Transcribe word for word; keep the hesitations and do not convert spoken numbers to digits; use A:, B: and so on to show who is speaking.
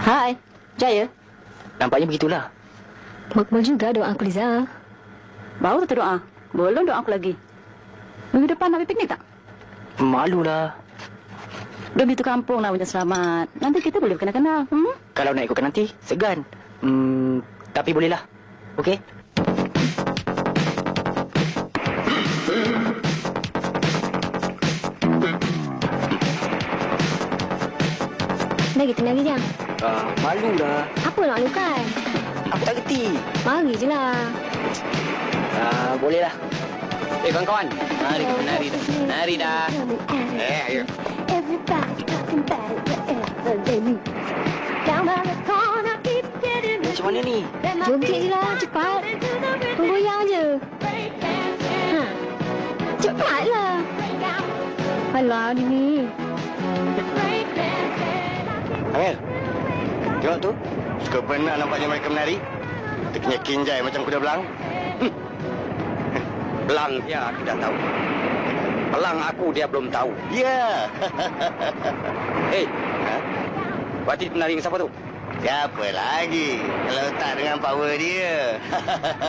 A: Hai, Jaya.
B: Nampaknya begitulah.
C: Makbul juga doa aku, Liza.
A: Baru tu doa. Belum doa aku lagi. Minggu depan nak pergi piknik tak?
B: Malulah.
A: Demi tu kampung nak punya selamat. Nanti kita boleh kenal-kenal. Hmm?
B: Kalau nak ikutkan nanti, segan. Hmm, tapi bolehlah. Okey?
C: Dah kita lagi jam.
B: Ah, malulah.
C: Apa nak lakukan?
B: Aku tak kerti.
C: Mari je lah.
B: Ah, bolehlah.
D: Eh, kawan-kawan. Mari kita nari dah. Nari dah. Eh, ayo.
B: Macam mana ni?
C: Joget je lah, cepat. Goyang je. Ha. Cepatlah. Alah, ni.
D: Amir. Tengok tu. Suka benar nampaknya mereka menari. Tekinya kinjai macam kuda belang. Hmm. Belang dia aku dah tahu. Belang aku dia belum tahu. Ya. Hei. Ha? Waktu penari siapa tu? Siapa lagi? Kalau tak dengan power dia.